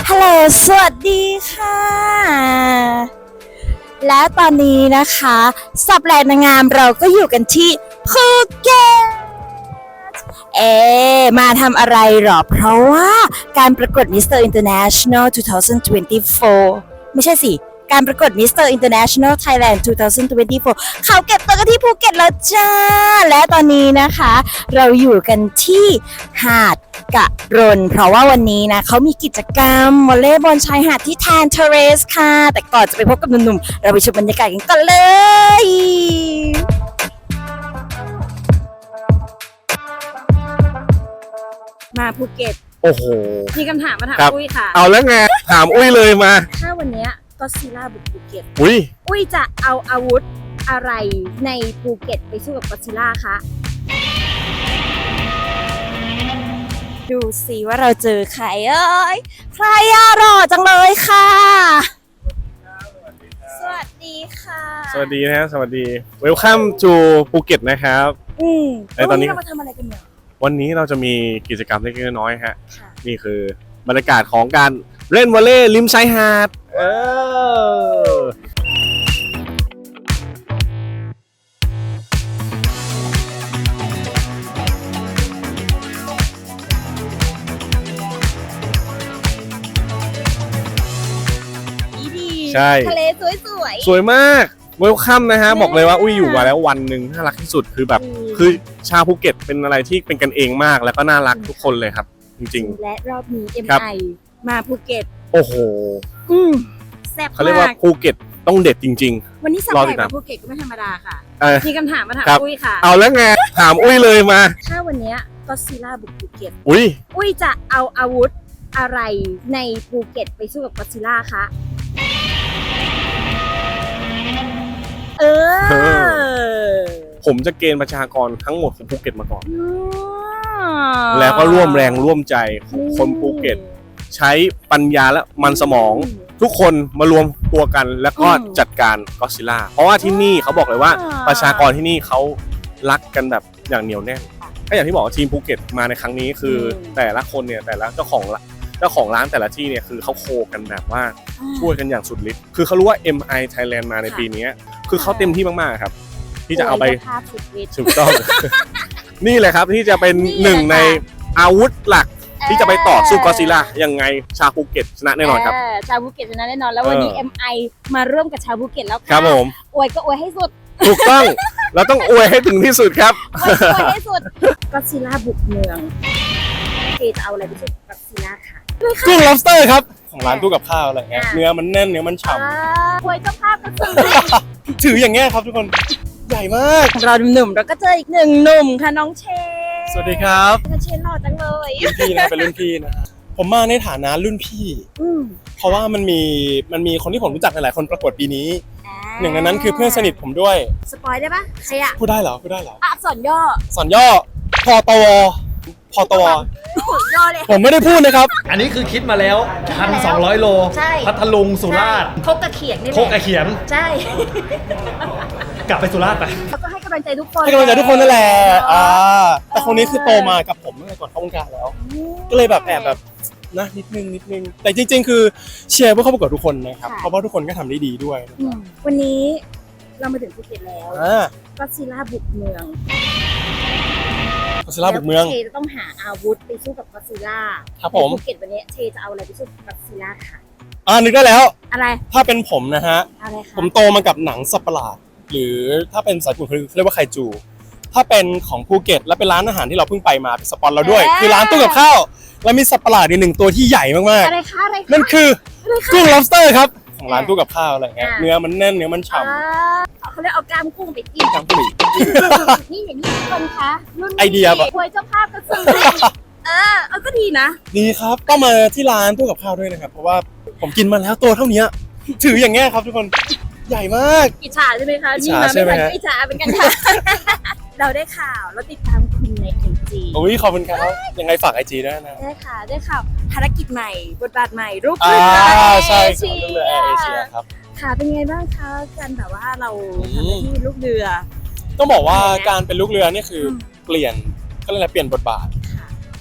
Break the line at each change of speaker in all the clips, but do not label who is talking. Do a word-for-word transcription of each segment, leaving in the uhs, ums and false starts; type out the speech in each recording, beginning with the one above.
ฮัลโหลสวัสดีค่ะ และตอนนี้นะคะสับแลนางงามเราก็อยู่กันที่ภูเก็ตเอ๊มาทำอะไรหรอ เพราะว่าการประกวด มิสเตอร์ International สองพันยี่สิบสี่ ไม่ใช่สิ การประกวด มิสเตอร์ International Thailand สองพันยี่สิบสี่ เขาเก็บตัวกันที่ภูเก็ตแล้วจ้า และตอนนี้นะคะเราอยู่กันที่หาดกะรน เพราะว่าวันนี้นะเขามีกิจกรรมวอลเลย์บอลชายหาดที่แทนเทเรสค่ะ แต่ก่อนจะไปพบกับหนุ่มๆเราไปชมบรรยากาศกันก่อนเลย มาภูเก็ต
โอ้โห
มีคำถามมาถาม
ครับ
อุ้ยค่ะ
เอาแล้วไง ถามอุ้ยเลยมา
ถ้าวันเนี้ก็ซีล่าบุกภูเก็ต
อุ้ย
อุ้ยจะเอาอาวุธอะไรในภูเก็ตไปสู้กับก็อดซิลล่าคะ ดูสิว่าเราเจอใครเอ้ย ใครอะหล่อจังเลยค่ะ สวัสดีค่ะ
สวัสดีนะฮะ สวัสดี Welcome to ภูเก็ตนะครับ
อืม
ไอ้ตอนนี้
เรามาทำอะไรกันเนี่ย
วันนี้เราจะมีกิจกรรมเล็กๆน้อยๆฮะ
ค่ะ
นี่คือบรรยากาศของการเล่นวอลเลย์ริมชายหาด เออ
ดี
ใช่
ทะเลสวย
สวยมาก Welcome นะฮะ บอกเลยว่าอุ้ยอยู่มาแล้ววันหนึ่งน่ารักที่สุด คือแบบ คือชาวภูเก็ตเป็นอะไรที่เป็นกันเองมาก แล้วก็น่ารักทุกคนเลยครับ จริง
ๆและรอบนี้ เอ็ม
ครับ
ไอ มาภูเก็ต
ๆ โอ้โห
อืมแซ่บ
เขาเรียก
มา
ว่าก ภูเก็ตต้องเด็ดจริง
วันนี้สับ
รอ
แข
ติ
ก
ดตาม
มาภูเก็ตก็ไม่ธรรมดาค่ะ
ๆ เออ
มีคำถามมาถาม
ครับ
อุ้ยค่ะ
เอาแล้วไง ถามอุ้ยเลยมา
ถ้าวันเนี้ก็อดซิลล่าบุกภูเก็ต
อุ้ย
อุ้ยจะเอาอาวุธอะไรในภูเก็ตไปสู้กับก็อดซิลล่าคะ เออ
ผมจะเกณฑ์ประชากรทั้งหมดของภูเก็ตมาก่อน
อ๋อ
แล้วก็ร่วมแรงร่วมใจของคนภูเก็ต ใช้ปัญญาและมันสมอง ทุกคนมารวมตัวกันแล้วก็จัดการก็อดซิลล่า เพราะว่าที่นี่เขาบอกเลยว่าประชากรที่นี่เขารักกันแบบอย่างเหนียวแน่นก็อย่างที่บอกว่าทีมภูเก็ตมาในครั้งนี้คือแต่ละคนเนี่ยแต่ละเจ้าของเจ้าของร้านแต่ละที่เนี่ยคือเขาโคกันแบบว่าช่วยกันอย่างสุดฤทธิ์คือเขารู้ว่า เอ็ม ไอ Thailand มาในปีนี้คือเขาเต็มที่มากๆครับที่จะเอาไป
โยภาพสุดฤทธิ์
ถูกต้อง นี่แหละครับที่จะเป็น
นี่แหละ
หนึ่งใน
ค่ะ
อาวุธหลักที่จะไปต่อสู้ก็อดซิลล่ายังไงชาวภูเก็ตชนะแน่นอนครับ
เชาวภูเก็ตชนะแน่นอนแล้ววันนี้
เออ
เอ็ม ไอ มาร่วมกับชาวภูเก็ตแล้วค่ะ
ครับผม
อวยก็อวยให้สุด
ถูกต้อง เราต้องอวยให้ถึงที่สุดครับ
อวยก็อวยให้สุดก็อดซิลล่าบุกเมืองเอจะเอาอะไรไปสู้กับก็อดซิลล่าค่ะ
กุ้ง lobster ครับของร้านตู้กับข้าวอะไรเงี้ย
อ่า
เนื้อมันแน่นเนื้อมันฉ่
อ่าอวยเจ้าภาพก็สุด
ำถืออย่างเงี้ยครับทุกคนใหญ่มาก
เราหนุ่มๆเราก็เจออีกหนึ่งหนุ่มค่ะน้องเชน
สวัสดีครับ
น้องเชนหล่อจังเลย
รุ่นพี่นะเป็นรุ่นพี่นะฮะผมมาในฐานะรุ่นพี่
อืม
เพราะว่ามันมีมันมีคนที่ผมรู้จักหลายๆคนประกวดปีนี้
อ่า
หนึ่งในนั้นคือเพื่อนสนิทผมด้วย
สปอยได้ปะใครอะ
พูดได้เหรอพูดได้เหรอ
อักษรย่อ
สอนย่อพอตวพอตว
โอ้โหย่อเลย
ผมไม่ได้พูดนะครับ
อันนี้คือคิดมาแล้ว หนึ่งพันสองร้อย โล
ใช่
พัทลุงสุราษฎร์
โคกกระเขียงนี่แห
โค
ละ
กกระเขียน
ใช่
กลับไปสุราษฎร์ไป
แล้วก็ให้กำลังใจทุกคน
ให้กำลังใจทุกคนนั่นแหละอ่าแต่คนนี้คือโตมากับผมตั้งแต่ก่อนเข้าวงการแล้ว ก็เลยแบบแอบแบบนะนิดนึงนิดนึงแต่จริง ๆ คือเชียร์เพื่อเข้าประกวดทุกคนนะครับเพราะว่าทุกคนก็ทำได้ดีด้วยนะ
อืมวันนี้เรามาถึงภูเก็ตแล้ว
อ่า
ก็อดซิลล่าบุกเมือง
ก็อดซิลล่าบุกเมือง
แล้วเชจะต้องหาอาวุธไปสู้กับก็อดซิลล่า
ครับผม
ในภูเก็ตวันนี้เชจะเอาอะไรไปสู้กับก็อดซิลล่าค่ะ
อ่านึกได้แล้ว
อะไร
ถ้าเป็นผมนะฮะ
อะไรคะ
ผมโตมากับหนังสัตว์ประหลาด หรือถ้าเป็นสายญี่ปุ่นเขาเรียกว่าไคจู ถ้าเป็นของภูเก็ตและเป็นร้านอาหารที่เราเพิ่งไปมาเป็นสปอนเราด้วย คือร้านตู้กับข้าวแล้วมีสัตว์ประหลาดอีกหนึ่งตัวที่ใหญ่มาก
อะไรคะอะไรคะ
ๆนั่นคือ
อะไรคะ
กุ้ง lobster ครับของร้านตู้กับข้าวอะไรเงี้ย
อ่า
เนื้อมันแน่นเนื้อมันฉ่
อ่าเขาเรียกเอากล้ามกุ้งไปจิ้ม
ำทั้งผู้หญิง
นี่อย่างนี้ทุกคนคะรุ่น
ไอเดียแบบ
ควยเจ้าภาพก็ซื้อเออเออก็ดีนะ
ดีครับก็มาที่ร้านตู้กับข้าวด้วยนะครับเพราะว่าผมกินมาแล้วตัวเท่านี้ถืออย่างเงี้ยครับทุกคนใหญ่มาก
อิจฉาใช่ไหมคะ
อิจ
นี่
ฉา
มา
ใช่
ไม่
ไหม
ทัน
ฮะ
ก็อิจฉาเป็นกันค่ะ เราได้ข่าวเราติดตามคุณในไอจี
โอ้ยขอบคุณครับยังไงฝากไอจีด้วยนะ
ได้ค่ะได้ข่าวภารกิจใหม่บทบาทใหม่รูป
อ่า
เรือ
ใช่
เอ
ค
เชี
รับเรื่องเรือแอร์เอเชีย
ย
ครับ
ค่ะเป็นไงบ้างคะการแบบว่าเรา
อืม
ทำหน้าที่ลูกเรือ
ต้องบอกว่า
เป็นไง
การเป็นลูกเรือนี่คืออ
ม
เปลี่ยนก็เลยกอะไรเปลี่ยนบทบาท
ค่ะ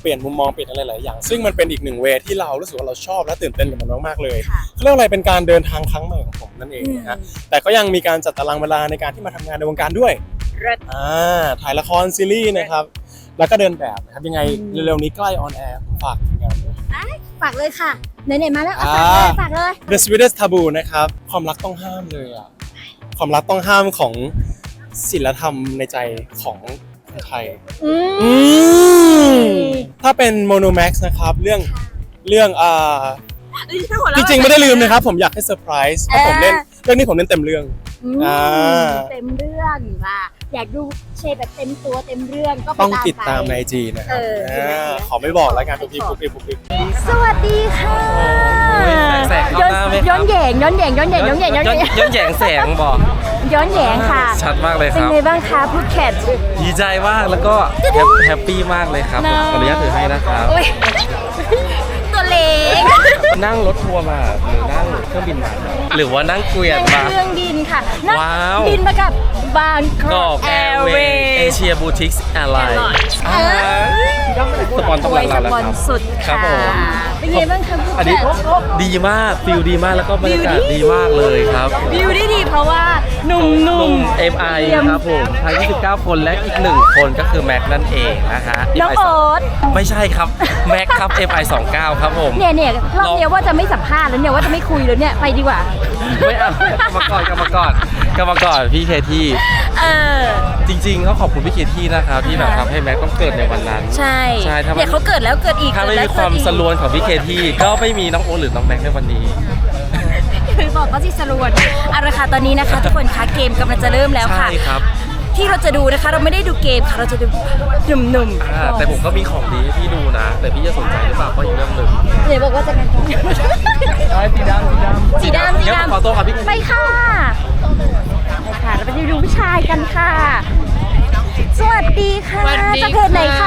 ปลี่ยนมุมมองเปลี่ยนอะไรหลายอย่างซึ่งมันเป็นอีกหนึ่งเวย์ที่เรารู้สึกว่าเราชอบและตื่นเต้นกับมันมากๆเลย
ค่ะ
เขาเรียกว่าอะไรเป็นการเดินทางครั้งใหม่ของผมนั่นเองนะฮะ
อืม
แต่ก็ยังมีการจัดตารางเวลาในการที่มาทำงานในวงการด้วย
เลิศ
อ่าถ่ายละครซีรีส์นะครับแล้วก็เดินแบบนะครับยังไงเร็วๆนี้ใกล้ออนแอร์ฝากงานด้วย
ฝากเลยค่ะไหนๆมาแล้วเอา
อ่า
ฝากเลยฝากเลย
The Sweetest Taboo นะครับความรักต้องห้ามเลยอ่ะความรักต้องห้ามของศีลธรรมในใจของคนไทย
อืม
อืมถ้าเป็น Monomax นะครับเรื่องเรื่องอ่า
เอ้ยถ้าหัว
จ
เราะ
ริงๆไม่ได้ลืมนะครับผมอยากให้เซอร์ไพรส์เพราะผมเล่นเรื่องนี้ผมเล่นเต็มเรื่อง
อืม
อ่า
เต็มเรื่องว่ะอยากดูเชฟแบบเต็มตัวเต็มเรื่องก็ไป
ต้อง
ตาม
ติดตาม
ไป
ในไอจีนะค
เอ
รับ
อ
อ่าขอไม่บอกแล้วกันทุกทีปุ๊บปิ๊บปุ๊บปิ๊บ
สวัสดีค่ะ
แสงเข้าหน้าไหมครับ
ย้อนแยงย้อนแยงย้อนแยงย้อนแยงย้อนแยง
ย้อนแยงแสงบอก
ย้อนแยงค่ะ
ชัดมากเลยค
เป็น
รับ
ไงบ้างคะพูดแคท
ดีใจมากแล้วก็แฮปแฮปปี้มากเลยครับผมขออนุญาตถือให้นะครับ
โอ้ยตัวเล็ก
นั่งรถทัวร์มาหรือนั่งเครื่องบินมาหรือว่านั่งเกวียน
นั่
มาง
เครื่องบินค่ะนั่ง
ว้าว
บินมากับบางก
ก็
อกแอ
แอ
ร์
ร์
เว
เวย์
ย์
เอเชียบูติกส์แอร์ไลน์
เออ
สปอนต้อง
โอ้
รั
ย
ก
ส
เราแล้ว
ปอน
ครับ
สุด
ครั
ค่ะ
บผม
เป็นไงบ้างคะพูด
อัน
แค
นี้
ท
ดีมากฟิลดีมากแล้วก็บรรยากาศดีมากเลยครับ
วิวได้ดีเพราะว่าหนุ่ม
หนุ่ม
ๆ
เอ็ม ไอ ครับผมทั้งยี่สิบเก้าคนและอีกหนึ่งคนก็คือแม็กนั่นเองนะฮะ
น้อง
เอ็ม
โอ๊
ไอ
ต
ไม่ใช่ครับแม็กครับ เอ็ม ไอ สองเก้าครับผม
เนี่ยเนี่ยรอบเนี้ยว่าจะไม่สัมภาษณ์แล้วเนี่ยว่าจะไม่คุยแล้วเนี่ยไปดีกว่า
ไม่เอากลับมาก่อนกลับมาก่อนกลับมาก่อนพี่เคที่
เออ
จริงๆเขาขอบคุณพี่เคที่นะครับที่แบบทำให้แม็กต้องเกิดในวันนั้น
ใช่
ใช่ถ้ามัน
เนี่ยเขาเกิดแล้วเกิดอีก
ถ้าไม่
เกิด
มี
แล้
ความ
เกิดอีก
สลวนของพี่เคที่ก็ไม่มีน้องโอตหรือน้องแม็กในวันนี้
คือบอกว่าที่สรวนเอาละค่ะตอนนี้นะคะ ทุกคนคะเกมกำลังจะเริ่มแล้วค่ะ
ใช่ครับ
ที่เราจะดูนะคะ เราไม่ได้ดูเกมค่ะเราจะดูหนุ่ม
อ่าแต่ผมก็มีของดีให้พี่ดูนะ แต่พี่จะสนใจหรือเปล่าก็อีกเรื่องหนึ่ง
เดี๋ยวบอกว่าจะกัน
สีดำสีดำ
สีดำสี
งั้นผมขอ
ดำ
ตัวครับพี่
ไปค่ะไปค่ะเราไปดูผู้ชายกันค่ะ สวัสดีค่ะ
สวัสดี
จากเพจไหนคะ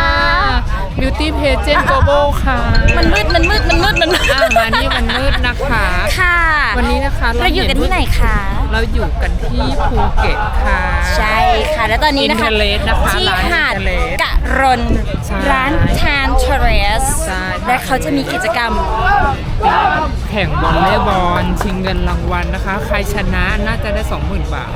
Beauty Pageant Global ค่ะ
มันมืดมันมืดมันมืดมันมืด
อ่ามานี่มันมืดนะคะ
ค่ะ
วันนี้นะคะ
เราอยู่กันที่ไหนคะ
เราอยู่กันที่ภูเก็ตค่ะ
ใช่ค่ะ แล้วตอนนี้นะคะ
Interlace นะคะ
ที่
ร้าน
หาด
Interlace
กะรน
ใช่
ร้านทานเทเรส
ใช่
และเขาจะมีกิจกรรม
แข่งวอลเลย์บอลชิงเงินรางวัลนะคะ ใครชนะน่าจะได้ สองหมื่น บาท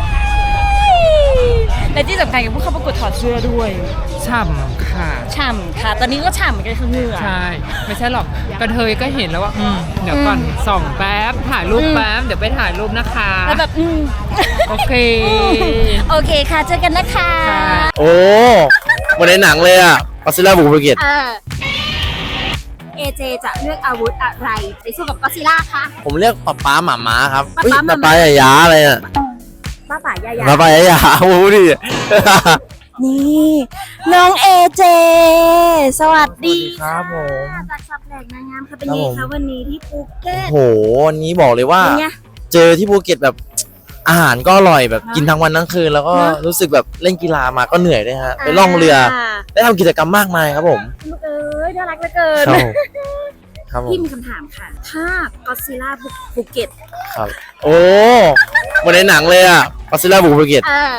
และที่สำคัญกับผู้เข้าประกวดถอดเสื้อด้วย
ฉ่ำค่ะ
ฉ่ำค่ะ ตอนนี้ก็ฉ่ำเหมือนกันคือเหงื่อ
ใช่ ไม่ใช่หรอกกระเทยก็เห็นแล้วว่าอืมเดี๋ยวก่อนส่องแป๊บ ถ่ายรูป
อืม
แป๊บ เดี๋ยวไปถ่ายรูปนะคะ
แล้วแบบอืม
โอเค
โอเคค่ะ เจอกันนะคะ
ค่ะ
โอ้เหมือนในหนังเลยอ่ะก็ซิล่าบุกภูเก็ต
เออเอเจจะเลือกอาวุธอะไรไปสู้กับก็อดซิลล่าคะ
ผมเรียกป๊าป๊าหมาม้าครับ
ป๊า
เฮ้ย
ป๊าหม่า
ป๊า
ม้า
ป๊าใหญ่าอะไรอ่ะ
ป้าป่ายายา
ป๊าป๊าใหญ่าโอ้โหดิ
นี่น้องเอเจ สวัสดี
ครับผม
จากสับแหลกนางงามค่ะเป็นไงคะวันนี้ที่ภูเก็ต
โหวันนี้บอกเลยว่า
เป็นไง
เจอที่ภูเก็ตแบบอาหารก็อร่อยแบบกินทั้งวันทั้งคืน แล้วก็
เนอะ
รู้สึกแบบเล่นกีฬามาก็เหนื่อยด้วยฮะไปล่องเรือ ได้ทำกิจกรรมมากมายครับผม
ลูกเอ้ยน่ารักเหลือเกิน
ครับผมครับผม
พี่มีคำถามค่ะ ถ้าก็อดซิลล่าบุกภูเก็ต
ครับ โอ้เหมือนในหนังเลยอ่ะก็ซิล่าบุกภูเก็ต
เออ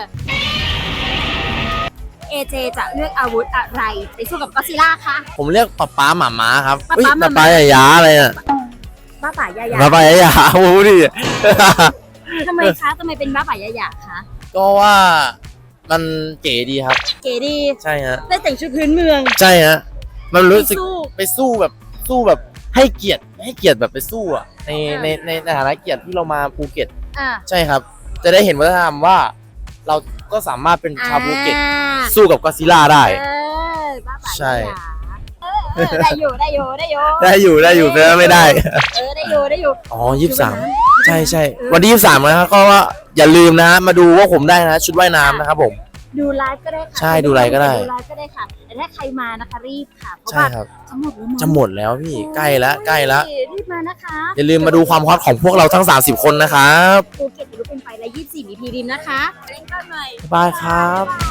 เอเจจะเลือกอาวุธอะไรไปสู้กับก็อดซิลล่าคะ
ผมเรียกป๊าป๊าหมาม้าครับ
ป๊า
เฮ้ย
ป๊าหม่า
ป๊า
ม้า
ป๊าใหญ่าอะไรอ่ะ
ป้าป่ายายา
ป๊าป๊าใหญ่าโอ้โหดิ
ทำไมคะทำไมเป็นป้าป่ายายาคะ
ก็ว่ามันเก๋ดีครับ
เก๋ดี
ใช่ฮะ
ได้แต่งชุดพื้นเมือง
ใช่ฮะมันรู้สึก
ไปสู้
ไปสู้แบบสู้แบบให้เกียรติให้เกียรติแบบไปสู้อ่ะใน
อ่า
ในในในฐานะเกียรติที่เรามาภูเก็ต
อ่ะ
ใช่ครับ จะได้เห็นวัฒนธรรมว่า เราก็สามารถเป็นชาวภูเก็ต
อ่า
สู้กับก็อดซิลล่าได้
เออป้าป่ายายา
ใช่
เออเออได้อยู่ได้อยู่ได้อยู่
ได้อยู่ได้อยู่แต่ว่าไม่ได้
เออได้อยู่ได้อยู่
อ๋อยี่สิบสาม
คือ
ใช่ใช่
เออ
วันที่ยี่สิบสามนะครับก็ว่าอย่าลืมนะมาดูว่าผมได้นะ ชุดว่ายน้ำนะครับผม
ดูไลฟ์ก็ได้ค่ะ
ใช่ดูไลฟ์ก็ได้
ดูไลฟ์ก็ได้ค่ะ แต่ถ้าใครมานะคะรีบค่ะ เพราะ
ใช่
ว่า
ครับ
จะหมดแล้วมั้ง
จะหมดแล้วพี่ใกล้แล้วใกล้แล้ว
รีบมานะคะ
อย่าลืมมาดูความฮอตของพวกเราทั้งสามสิบคนนะครับ
ภูเก็ตจะรู้เป็นไปและยี่สิบสี่มีพีริมนะคะเล่นกันหน่อย
บ๊ายบายครับ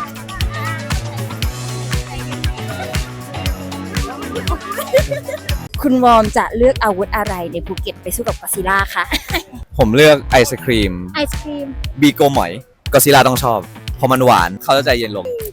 คุณวอร์มจะเลือกอาวุธอะไรในภูเก็ตไปสู้กับก็อดซิลล่าคะ
ผมเลือกไอศครีม
ไอศครีม
บีโกหมอยก็ซิล่าต้องชอบเพราะมันหวานเขาจะใจเย็นลง
สวัส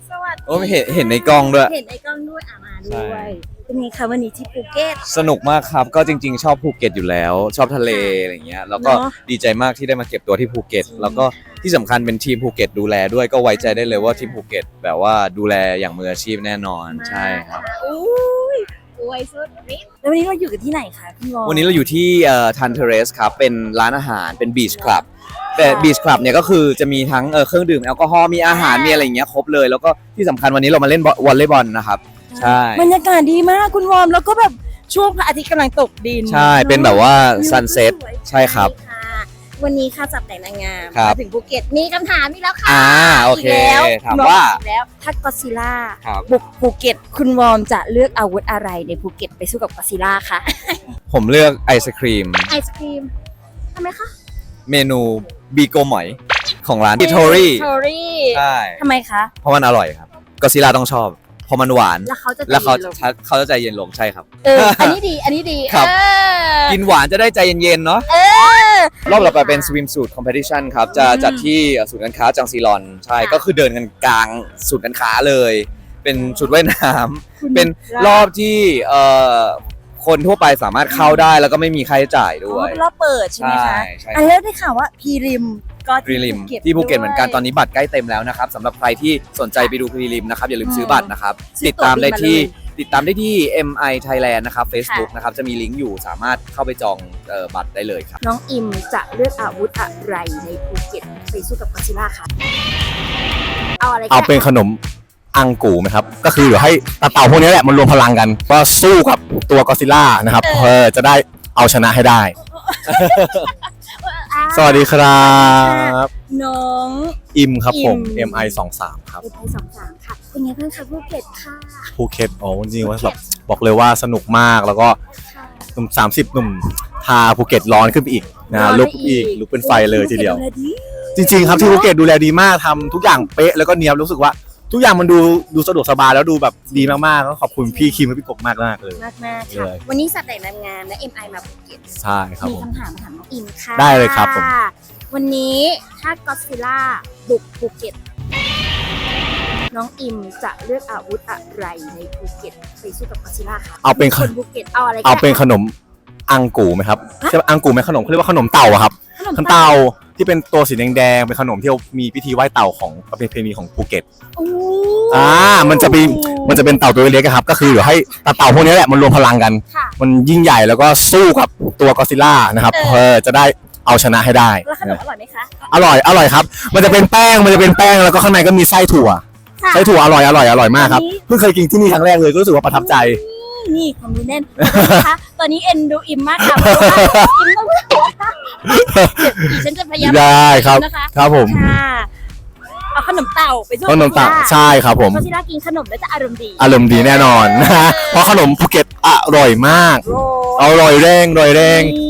โอ้เห็นเห็นในกล้องด้วย
เห็นในกล้องด้วยอ่ะมา
ใช่
ด้วยเป็นไงคะวันนี้ที่ภูเก็ต
สนุกมากครับ ก็จริง ๆ ชอบภูเก็ตอยู่แล้ว ชอบทะเลอะไรเงี้ย แล้วก็
เนอะ
ดีใจมากที่ได้มาเก็บตัวที่ภูเก็ต แล้วก็ที่สำคัญเป็นทีมภูเก็ตดูแลด้วย ก็ไว้ใจได้เลยว่าทีมภูเก็ตแบบว่าดูแลอย่างมืออาชีพแน่นอน ใช่ครับ
อุ้ยอวยสุดฤทธิ์แล้ววันนี้เราอยู่กันที่ไหนคะพี่วอ
วันนี้เราอยู่ที่เอ่อทันเทเรสครับ เป็นร้านอาหาร เป็นบีชคลับ แต่บีชคลับเนี่ยก็คือจะมีทั้งเอ่อเครื่องดื่มแอลกอฮอล์ มีอาหาร มีอะไรอย่างเงี้ยครบเลย แล้วก็ที่สำคัญวันนี้เรามาเล่นวอลเลย์บอลนะครับ ใช่
บรรยากาศดีมากคุณวอมแล้วก็แบบช่วงพระอาทิตย์กำลังตกดิน
ใช่ เป็นแบบว่า
วิว
ซันเซ็ต
สวย
ใช่ครับ
ค่ะวันนี้ค่ะจับแต่งนางงาม
ครับ
มาถึงภูเก็ตมีคำถามอีกแล้วค่ะ
อ่าโอเค
กแล้ว
ถามว่า
อีกแล้วถ้าก็อดซิลล่า
ครับ
บุกภูเก็ตคุณวอมจะเลือกอาวุธอะไรในภูเก็ตไปสู้กับก็อดซิลล่าคะ
ผมเลือกไอศครีม
ไอศครีมทำไมคะ
เมนูบีโกหมอยของร้านบิทอรี่
ทอรี่
ใช่
ทำไมคะ
เพราะมันอร่อยครับก็ซิล่าต้องชอบ เพราะมันหวาน
แล้วเขาจะ
แล้วเขา
ตีลง
จะเขาจะใจเย็นลงใช่ครับ
เอออันนี้ดีอันนี้ดี
ครับ
เออ
กินหวานจะได้ใจเย็นๆเนาะ
เออ
รอบต่อไปเป็นสวิมสูทคอมเพติชันครับ จะจัดที่ศูนย์การค้าจังซีรอน ใช่
ค่ะ
ก็คือเดินกันกลางศูนย์การค้าเลย เป็นชุดว่ายน้ำเป็นรอบที่เอ่อคนทั่วไปสามารถเข้าได้แล้วก็ไม่มีค่าใช้จ่าย
อ๋
ด้
อ
วย
เป็นรอบเปิดใช่ไหมคะ
ใช่ใช่
อันแล้วได้ข่าวว่าพีริมก็
พรีลิมที่ภูเก็ตเหมือนกันตอนนี้บัตรใกล้เต็มแล้วนะครับสำหรับใครที่สนใจไปดูพรีลิมนะครับอย่าลืมซื้อบัตรนะครับ
ซื้อ
ติดตามได้
ตั๋ว
ที่
บินมาเลย
ติดตามได้ที่ เอ็ม ไอ Thailand นะครับ Facebook นะครับจะมีลิงก์อยู่สามารถเข้าไปจองเอ่อบัตรได้เลยครับ
น้องอิมจะเลือกอาวุธอะไรในภูเก็ตไปสู้กับก็อดซิลล่าคะเอาอะไรก็
เอาเป็นขนมอังกูไหมครับ ก็คือเดี๋ยวให้ตาเต่าพวกนี้แหละมันรวมพลังกัน ก็สู้กับตัวก็อดซิลล่านะครับเออจะได้เอาชนะให้ได้
อ่า
สวัสดีครับ
น้อง
อิมครับผม
อิม
เอ็ม ไอ สองสามครับ
เอไอสองสามค่ะเป็นไงบ้างคะภูเก็ตค่ะ
ภูเก็ตอ๋อจริงๆว่าแบบบอกเลยว่าสนุกมากแล้วก็หนุ่มสามสิบหนุ่มทาภูเก็ตร้อนขึ้นไปอีกนะลุกอีกลุกเป็นไฟเลยทีเดียว จริงๆครับที่ภูเก็ตดูแลดีมากทำทุกอย่างเป๊ะแล้วก็เนียบรู้สึกว่า ทุกอย่างมันดูดูสะดวกสบายแล้วดูแบบดีมากๆก็ขอบคุณพี่คิมและพี่กบมากมากๆเลย
มากมากๆ
เล
ค่ะ
ย
วันนี้สัตว์แต่งนางงามและ เอ็ม ไอ มาภูเก็ต
ใช่ครับ
มี
ผม
คำถามมาถามน้องอิมค่ะ
ได้เลยครับผม
วันนี้ถ้าก็อดซิลล่าบุกภูเก็ต น้องอิมจะเลือกอาวุธอะไรในภูเก็ตไปสู้กับก็อดซิลล่าคะ
เอาเป็น
คนภูเก็ตเอาอะไรก็
เอาเป็น
ได้
ขนมอังกูไหมครับใช่ปะอังกูไหมขนมเขาเรียกว่าขนมเต่าอะครับ
ขนม
ขนมเต่าที่เป็นตัวสีแดงๆเป็นขนมที่มีพิธีไหว้เต่าของประเพณีของภูเก็ต
โอ้
อ่ามันจะเป็นมันจะเป็นเต่าตัวเล็กๆอะครับ ก็คือเดี๋ยวให้ตาเต่าพวกนี้แหละมันรวมพลังกัน
ค่ะ
มันยิ่งใหญ่แล้วก็สู้กับตัวก็อดซิลล่านะครับ
เออ
เออจะได้เอาชนะให้ได้
แล้วขนมอร่อยไหมคะ
อร่อยอร่อยครับ มันจะเป็นแป้งมันจะเป็นแป้งแล้วก็ข้างในก็มีไส้ถั่ว
ค่ะ
ไส้ถั่วอร่อยอร่อยอร่อยมากครับ
อันนี้
เพิ่งเคยกินที่นี่ครั้งแรกเลยก็รู้สึกว่าประทับใจ
นี่ความรู้แน่นนะคะตอนนี้เอ็นดูอิมมากค่ะเพราะว่าอิมต้องหัวดิฉันจะพยายาม
ได้ครับ
นะคะ
ครับผม
ค่ะเอาขนมเต่าไปสู้
ขนมเต่า
ก็อดซิลล่
ใช่ครับผม
ก็อดซิลล่ากินขนมแล้วจะอารมณ์ดี
อารมณ์ดีแน่นอนนะฮะเพราะขนมภูเก็ตอร่อยมาก
โร
อร่อยแรงอร่อยแรง
นี่